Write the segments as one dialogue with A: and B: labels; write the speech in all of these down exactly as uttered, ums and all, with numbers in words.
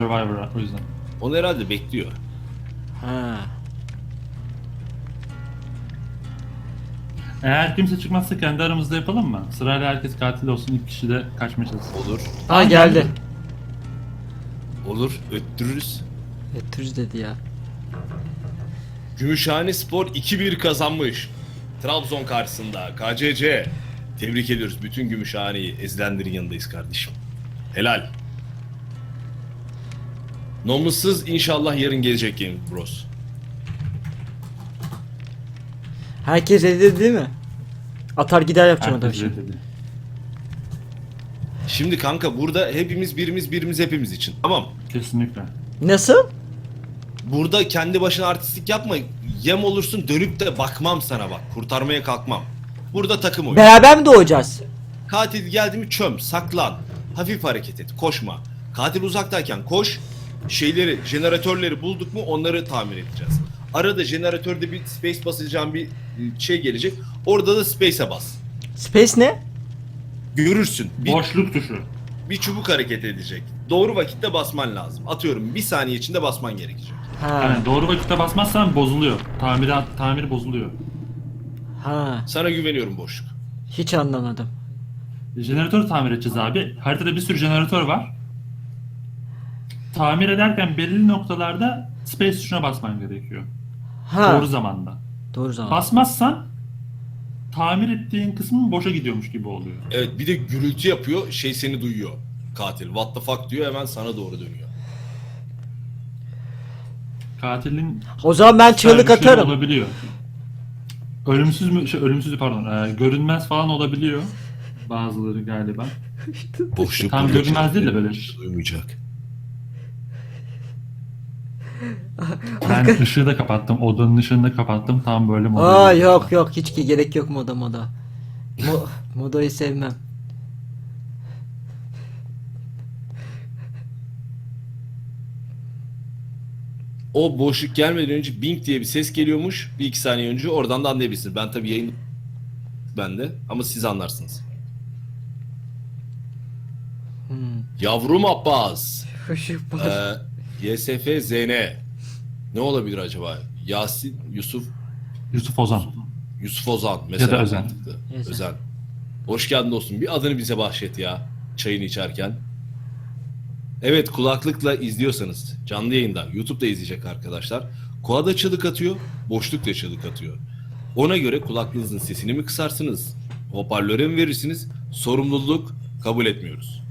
A: Survivor'a o yüzden.
B: Onu herhalde bekliyor.
C: Ha.
A: Eğer kimse çıkmazsa kendi aramızda yapalım mı? Sırayla herkes katil olsun, ilk kişi de kaçmaya çalışsın.
B: Olur.
C: Ha geldi.
B: Olur. Öttürürüz.
C: Ötürüz dedi ya.
B: Gümüşhane Spor iki bir kazanmış. Trabzon karşısında K C C. Tebrik ediyoruz bütün Gümüşhane'yi. Ezilenlerin yanındayız kardeşim. Helal. Nomusuz inşallah yarın gelecek Game Bros.
C: Herkes dedi değil mi? Atar gider yapacağım adam
A: Herkes
C: şimdi.
A: dedi.
B: Şimdi kanka burada hepimiz birimiz birimiz hepimiz için. Tamam.
A: Kesinlikle.
C: Nasıl?
B: Burada kendi başına artistlik yapma. Yem olursun dönüp de bakmam sana bak. Kurtarmaya kalkmam. Burada takım oyunu.
C: Beraber mi doğacağız?
B: Katil geldi mi çöm, saklan. Hafif hareket et, koşma. Katil uzaktayken koş. Şeyleri, jeneratörleri bulduk mu onları tamir edeceğiz. Arada jeneratörde bir space basacağım bir şey gelecek. Orada da space'e bas.
C: Space ne?
B: Görürsün. Bir,
A: Boşluk tuşu.
B: bir çubuk hareket edecek. Doğru vakitte basman lazım. Atıyorum bir saniye içinde basman gerekecek.
C: Ha.
A: Yani doğru vakitte basmazsan bozuluyor. Tamiri, tamiri bozuluyor.
C: Ha.
B: Sana güveniyorum boşluk.
C: Hiç anlamadım.
A: Jeneratör tamir edeceğiz abi. Haritada bir sürü jeneratör var. Tamir ederken belirli noktalarda space tuşuna basman gerekiyor.
C: Ha.
A: Doğru zamanda.
C: Doğru zaman.
A: Basmazsan tamir ettiğin kısmın boşa gidiyormuş gibi oluyor.
B: Evet bir de gürültü yapıyor. Şey seni duyuyor. Katil. What the fuck diyor hemen sana doğru dönüyor.
A: Katilin
C: O zaman ben çığlık
A: güçleri
C: atarım.
A: olabiliyor. Ölümsüz mü? Şey, ölümsüz pardon. E, görünmez falan olabiliyor. Bazıları galiba.
B: Boşluk
A: Tam
B: burada
A: görünmez değil de böyle.
B: duymayacak.
A: Ben ışığı da kapattım. Odanın ışığını da kapattım. Tam böyle moda.
C: Aa yok yok hiç ki gerek yok moda moda. Mo modayı sevmem.
B: O boşluk gelmeden önce bing diye bir ses geliyormuş. Bir iki saniye önce oradan da anlayabilirsiniz. Ben tabii yayın bende ama siz anlarsınız.
C: Hmm.
B: Yavrum Abbas.
C: Işık var.
B: Ee, Y S F Z N. Ne olabilir acaba? Yasin, Yusuf,
A: Yusuf Ozan.
B: Yusuf Ozan mesela.
A: Ya da Özen.
B: mantıklı.
C: Özen.
B: Özen. Hoş geldin dostum. Bir adını bize bahşet ya. Çayını içerken. Evet kulaklıkla izliyorsanız canlı yayında YouTube'da izleyecek arkadaşlar. Koa da çığlık atıyor, boşluk da çığlık atıyor. Ona göre kulaklığınızın sesini mi kısarsınız? Hoparlöre mi verirsiniz? Sorumluluk kabul etmiyoruz.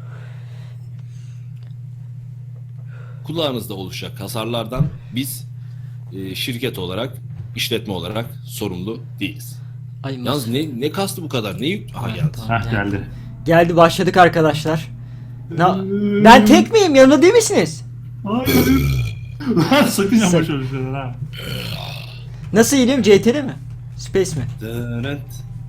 B: Kulağınızda oluşacak hasarlardan biz e, şirket olarak, işletme olarak sorumlu değiliz.
C: Ay,
B: Yalnız ne ne kastı bu kadar? Ne yük? Aha
C: Ha,
B: geldi.
C: tamam.
A: Heh geldi.
C: Geldi başladık arkadaşlar. Na ben tek miyim? Yanında değil misiniz?
A: Hayır. Lan sakın yapma
C: Sak-
A: şöyle şeyler ha.
C: Nasıl iniyorum? C T R mi? Space mi?
B: Dönent.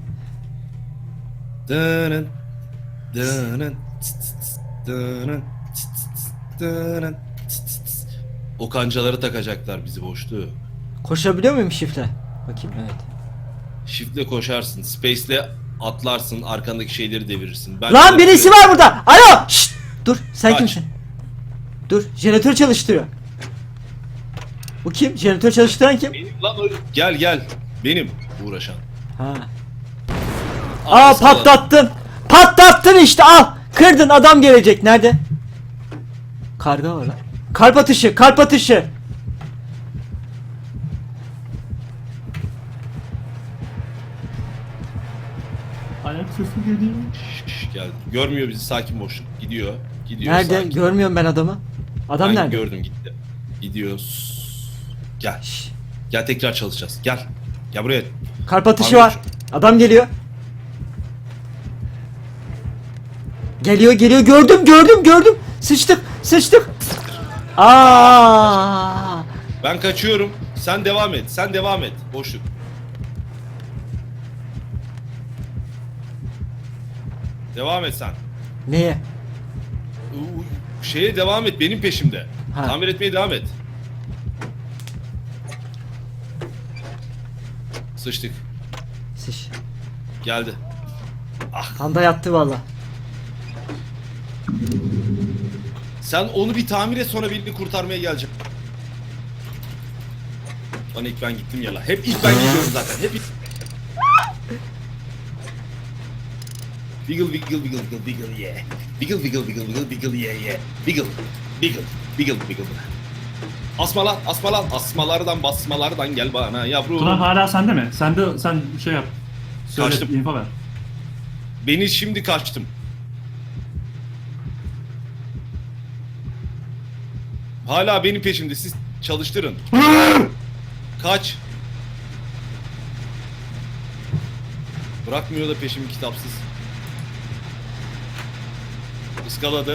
B: Dönent. Dönent. Tıs tıs tıs. Dönent. Tıs tıs tıs. Dönent. Tıs tıs tıs. O kancaları takacaklar bizi boşluğu.
C: Koşabiliyor muyum shiftle? Bakayım evet.
B: Shift'le koşarsın. Space'le atlarsın. Arkandaki şeyleri devirirsin. Ben
C: Lan birisi var burada. Alo! Şşt! Dur sen
B: Kaç.
C: kimsin? Dur jeneratör çalıştırıyor. Bu kim? Jeneratör çalıştıran kim?
B: Benim lan o. Gel gel. Benim uğraşan.
C: Ha. Aa
B: Arkası olan.
C: patlattın. Patlattın işte al. Kırdın adam gelecek. Nerede? Karga var lan. Kalp atışı, kalp atışı.
A: Ayak sesi geliyor.
B: Şş, gel. Görmüyor bizi sakin boşluk. Gidiyor. Gidiyor
C: Nerede?
B: sakin.
C: Görmüyorum ben adamı. Adam
B: Ben
C: nerede?
B: gördüm gitti. Gidiyor. Gel.
C: Şş,
B: Gel tekrar çalışacağız. Gel. Gel buraya.
C: kalp atışı
B: Tamam,
C: var. Adam geliyor. Geliyor geliyor gördüm gördüm gördüm. Sıçtık sıçtık. Aa!
B: Ben kaçıyorum. Sen devam et. Sen devam et. Boşluk. Devam et sen.
C: Neye?
B: U- u- Şeye devam et. Benim peşimde.
C: Ha.
B: Tamir etmeye devam et. Sıçtık.
C: Sıç.
B: Geldi.
C: Panda yattı valla.
B: Sen onu bir tamir et, sonra birini kurtarmaya geleceğim. Lan ilk ben gittim ya la. Hep ilk ben gidiyorum zaten. Hep ilk... Wiggle wiggle wiggle wiggle wiggle yeah. Wiggle wiggle wiggle wiggle wiggle yeah yeah. Wiggle wiggle wiggle wiggle. Asmalar asmalar asmalardan basmalardan gel bana yavrum.
A: Tuna hala sende mi? Sende sen şey yap. Söyle,
B: Kaçtım.
A: info ver.
B: Beni şimdi kaçtım. Hala benim peşimde, siz çalıştırın. Kaç. Bırakmıyor da peşimi kitapsız. Iskaladı.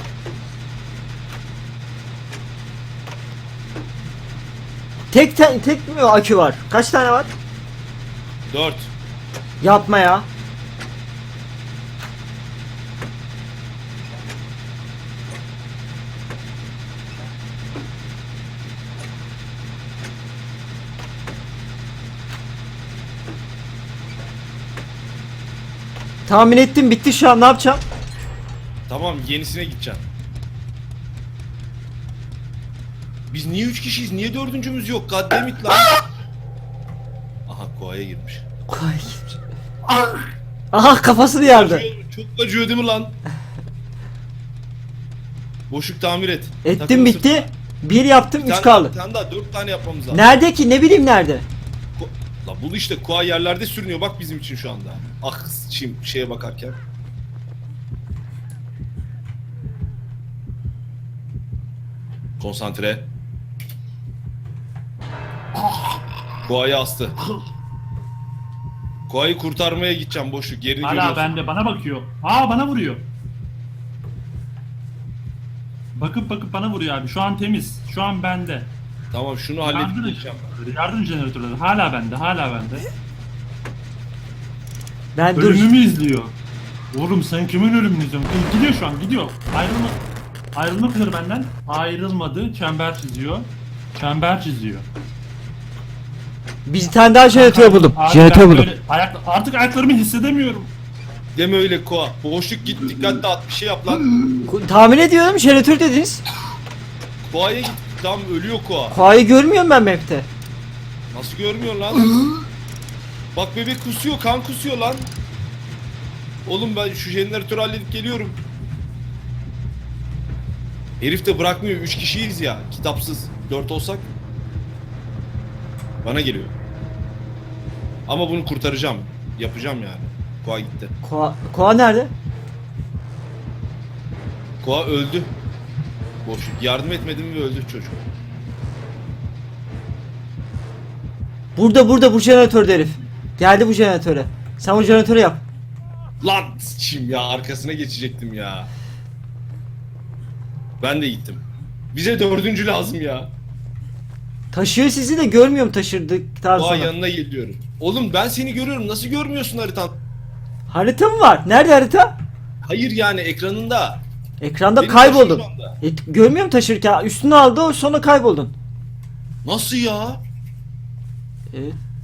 C: Tek te- tek mi akü var? Kaç tane var?
B: Dört.
C: Yapma ya. Tahmin ettim, bitti şu an, ne yapacağım?
B: Tamam, yenisine gideceğim. Biz niye üç kişiyiz? Niye dördüncümüz yok? Goddammit lan. Aha, koaya girmiş.
C: Aha, kafasını yardı.
B: Acıyor, çok acıyor değil mi lan? Boşluk tamir et.
C: Ettim,
B: Takılı
C: bitti.
B: sırtına.
C: Bir yaptım,
B: Bir
C: üç
B: tane
C: kaldı.
B: daha, bir tane daha, dört tane yapmamız lazım.
C: Nerede ki? Ne bileyim nerede?
B: Ko- La bul işte, koa yerlerde sürünüyor bak bizim için şu anda. Ah şimdi şeye bakarken. Konsantre. Koa'yı astı. Koa'yı kurtarmaya gideceğim, boşluk yerini
A: Hala
B: görüyorsun.
A: bende, bana bakıyor. Aa, bana vuruyor. Bakıp bakıp bana vuruyor abi. Şu an temiz. Şu an bende.
B: Tamam, şunu halledip
A: Yardım,
B: gideceğim.
A: yardım jeneratörleri hala bende, hala bende.
C: Ben dur.
A: Ölümümü izliyor. Oğlum sen kimin ölümünü izliyorsun? E, Gidiyor şu an, gidiyor. Ayrılma. Ayrılmak üzere benden. Ayrılmadı. Çember çiziyor. Çember çiziyor.
C: Bir tane daha jeneratör buldum.
A: Abi
C: Jeneratör
A: ben
C: buldum.
A: böyle ayak, artık ayaklarımı hissedemiyorum.
B: Deme öyle Koa. Boşluk git, dikkat dağıt, bir şey yap lan.
C: Ku- Tahmin ediyorum, jeneratör dediniz.
B: Koa'ya git. Tam ölüyor Koa.
C: Kuayı görmüyorum ben map'te.
B: Nasıl görmüyor lan? Bak bebek kusuyor, kan kusuyor lan. Oğlum ben şu jeneratörü halledip geliyorum. Herif de bırakmıyor, üç kişiyiz ya, kitapsız. Dört olsak. Bana geliyor. Ama bunu kurtaracağım. Yapacağım yani. Koa gitti.
C: Koa, Koa nerede?
B: Koa öldü. Boşluk. Yardım etmedim ve öldü çocuk.
C: Burada burada bu jeneratör herif. Geldi bu jeneratöre. Sen o jeneratörü yap.
B: Lan çim ya, arkasına geçecektim ya. Ben de gittim. Bize dördüncü lazım ya.
C: Taşıyor sizi de görmüyorum taşırdıktan
B: Koa
C: sonra.
B: yanına geliyorum. Oğlum ben seni görüyorum. Nasıl görmüyorsun haritan?
C: Harita mı var? Nerede harita?
B: Hayır yani ekranında.
C: Ekranda
B: Beni
C: kayboldun.
B: taşıyor şu anda.
C: E, görmüyorum taşırken. Üstüne aldı, o sonra kayboldun.
B: Nasıl ya?
C: E,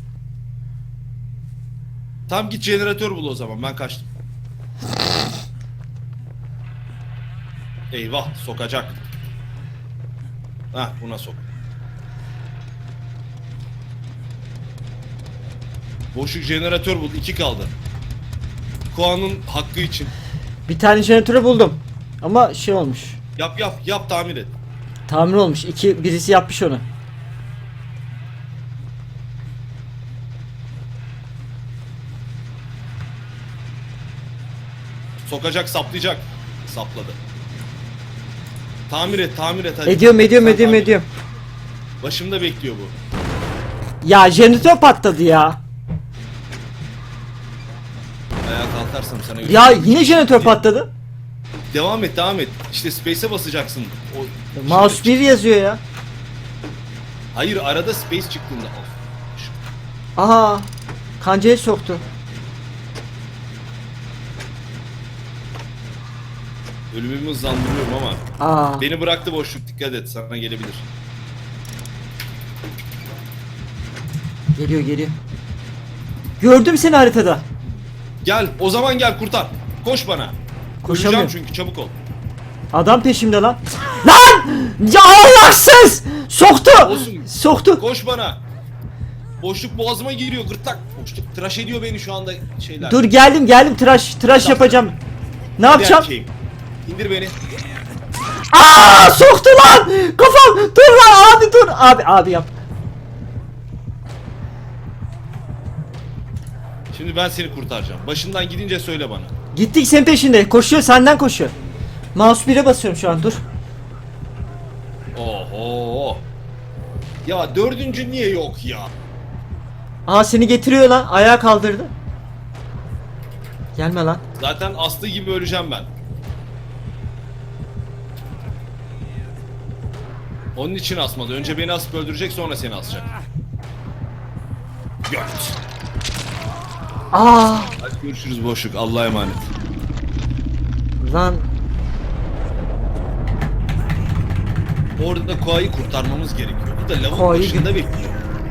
B: Tam git jeneratör bul o zaman, ben kaçtım. Eyvah, sokacak. Hah, buna sok. Boşluk jeneratör bul, iki kaldı. Koa'nın hakkı için.
C: bir tane jeneratörü buldum. Ama şey olmuş.
B: Yap yap yap, tamir et.
C: Tamir olmuş. İki, birisi yapmış onu.
B: Sokacak, saplayacak. Sapladı. Tamir et, tamir et hadi.
C: Ediyorum ediyorum
B: Sen
C: ediyorum
B: tamir et.
C: ediyorum.
B: Başımda bekliyor bu.
C: Ya jeneratör patladı ya.
B: Ayağa kalkarsam sana
C: Ya yine jeneratör patladı.
B: Devam et, devam et. İşte space'e basacaksın. O
C: Mouse bir yazıyor ya.
B: Hayır, arada space çıktığında. Of.
C: Aha. Kancayı soktu.
B: Ölümümü hızlandırıyorum ama.
C: Aa.
B: Beni bıraktı boşluk, dikkat et, sana gelebilir.
C: Geliyor geliyor. Gördüm seni haritada.
B: Gel, o zaman gel kurtar. Koş bana.
C: Koşamıyorum.
B: Öleceğim çünkü, çabuk ol.
C: Adam peşimde lan. Lan! Ya Allahsız! Soktu!
B: Olsun.
C: Soktu.
B: Koş bana. Boşluk boğazıma giriyor gırtlak. Boşluk tıraş ediyor beni şu anda şeyler.
C: Dur geldim geldim tıraş tıraş yapacağım. Ne
B: Hadi
C: yapacağım?
B: erkeğim. İndir beni.
C: Aa soktu lan! Kafam! Dur lan abi dur! Abi abi yap.
B: Şimdi ben seni kurtaracağım. Başından gidince söyle bana.
C: Gittik senin peşinde. Koşuyor senden koşuyor. Mouse bire basıyorum şu an dur.
B: Oho. Ya dördüncü niye yok ya?
C: Aa seni getiriyor lan. Ayağa kaldırdı. Gelme lan.
B: Zaten aslı gibi öleceğim ben. Onun için asmadı. Önce beni asıp öldürecek, sonra seni asacak. Göt.
C: Aa
B: Hadi görüşürüz boşluk. Allah'a emanet.
C: lan.
B: Orada da Koa'yı kurtarmamız gerekiyor. Bu da lavuk
C: Koa'yı
B: başında bekliyor.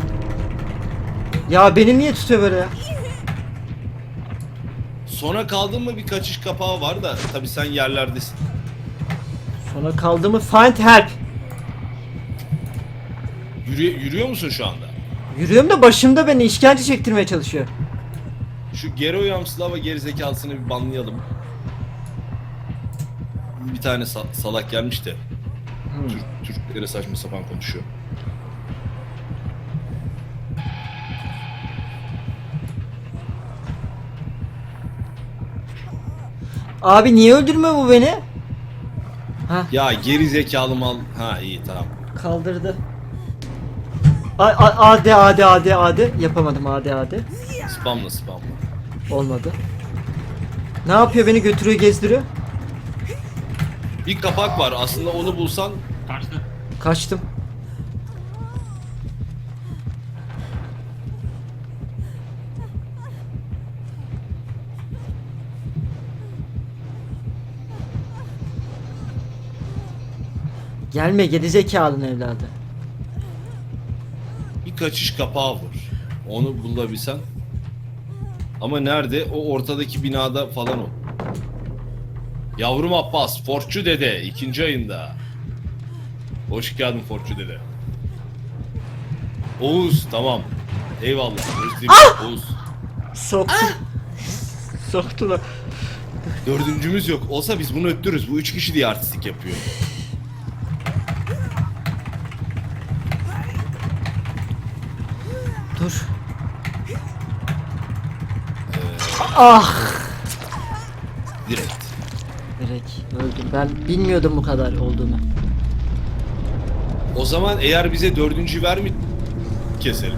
C: Ya beni niye tutuyor böyle ya?
B: Sonra kaldın mı bir kaçış kapağı var da tabi sen yerlerdesin.
C: Sonra kaldı mı? Find help.
B: Yürü, yürüyor musun şu anda?
C: Yürüyorum da başımda beni işkence çektirmeye çalışıyor.
B: Şu Gero Yamslava gerizekalısını bir banlayalım. Bir tane sa- salak gelmiş de. Türk, Türklere saçma sapan konuşuyor.
C: Abi niye öldürmüyor bu beni? Ha
B: Ya geri zekalı mal. Ha iyi tamam.
C: kaldırdı. A A AD AD AD AD yapamadım AD AD.
B: Spamla spamla.
C: Olmadı. Ne yapıyor beni götürüyor gezdiriyor.
B: Bir kapak var aslında onu bulsan
A: Kaçtı.
C: Kaçtım. Gelme gerizekalının evladı.
B: bir kaçış kapağı var. Onu bulabilsen. Ama nerede? O ortadaki binada falan o. Yavrum Abbas, Forçu Dede ikinci ayında. Hoş geldin Forçu Dede. Oğuz tamam. Eyvallah. Özledim. Oğuz.
C: Soktu. Soktular.
B: Dördüncümüz yok. Olsa biz bunu öttürürüz. Bu üç kişi diye artistik yapıyor.
C: Dur. Ah.
B: Direkt.
C: Direkt öldüm. Ben bilmiyordum bu kadar olduğunu.
B: O zaman eğer bize dördüncü vermi keselim.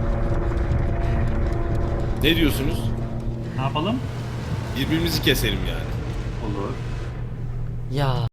B: Ne diyorsunuz?
A: Ne yapalım?
B: Birbirimizi keselim yani.
A: Olur.
C: Ya.